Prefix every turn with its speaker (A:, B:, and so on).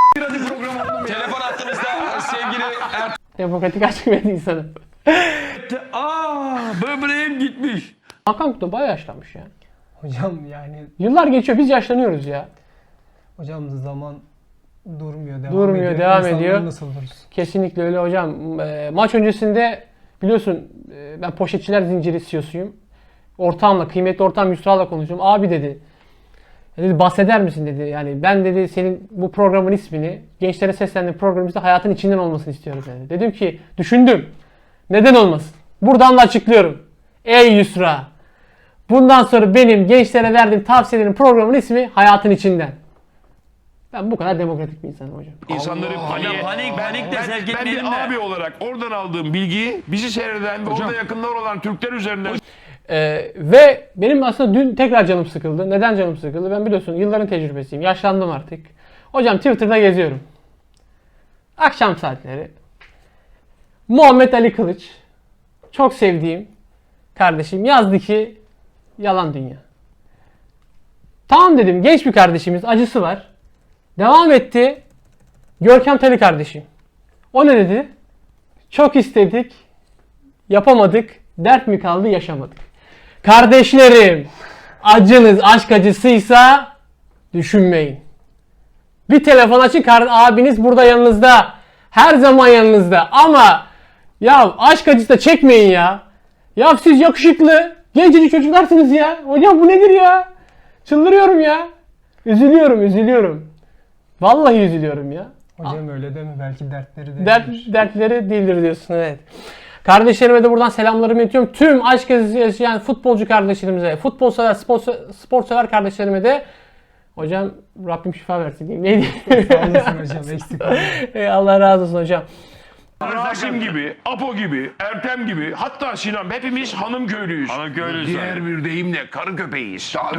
A: Telefon attığımızda sevgili
B: Demokratik açık medya insanı.
A: böbreğim gitmiş.
B: Hakan Kutu bayağı yaşlanmış ya.
C: Hocam yani
B: Yıllar geçiyor, biz yaşlanıyoruz ya.
C: hocam zaman durmuyor,
B: devam
C: İnsanlar
B: ediyor.
C: nasıl oluruz?
B: Kesinlikle öyle hocam. Maç öncesinde biliyorsun ben Poşetçiler Zinciri CEO'suyum. Ortağımla, kıymetli ortağım Yusra'la konuşuyorum. Abi dedi, bahseder misin dedi. Yani ben dedi senin bu programın ismini, gençlere seslendiğin programımızda hayatın içinden olmasını istiyorum dedi. Dedim ki düşündüm. Neden olmasın? Buradan da açıklıyorum. Ey Yusra! Bundan sonra benim gençlere verdiğim tavsiyelerin programın ismi hayatın içinden. Ben bu kadar demokratik bir insanım hocam.
D: İnsanları paniğe...
A: Panik de sevk
D: Ben
A: etmeyelim
D: bir
A: de.
D: abi olarak oradan aldığım bilgiyi bizi seyreden ve orada yakınlar olan Türkler üzerinden...
B: Ve benim aslında dün tekrar canım sıkıldı. Neden canım sıkıldı? Ben biliyorsun yılların tecrübesiyim. Yaşlandım artık. Hocam Twitter'da geziyorum. Akşam saatleri. Muhammed Ali Kılıç. Çok sevdiğim kardeşim yazdı ki yalan dünya. Tamam dedim, genç bir kardeşimiz, acısı var. Devam etti. Görkem Tali kardeşim. O ne dedi? Çok istedik, yapamadık. Dert mi kaldı, yaşamadık. Kardeşlerim, acınız aşk acısıysa düşünmeyin. Bir telefon açın, abiniz burada yanınızda. Her zaman yanınızda. Ama ya aşk acısı da çekmeyin ya. Ya siz yakışıklı, gencecik çocuklarsınız ya. Hocam bu nedir ya? Çıldırıyorum ya. Üzülüyorum. Vallahi üzülüyorum ya.
C: Hocam öyle deme, belki dertleri de
B: Dertleri değildir diyorsun, evet. Kardeşlerime de buradan selamlarımı iletiyorum. Tüm aşk acısı yaşayan futbolcu kardeşlerimize, futbol sever, spor sever kardeşlerime de hocam Rabbim şifa versin diyeyim. Ne diyeyim?
C: Sağ olasın hocam, eksik olmayın.
B: Allah razı olsun hocam.
D: Rasim gibi, Apo gibi, Ertem gibi, hatta Sinan, hepimiz hanım köylüyüz.
A: Hanım köylüyüz
D: Diğer
A: tabii.
D: bir deyimle karı köpeğiyiz.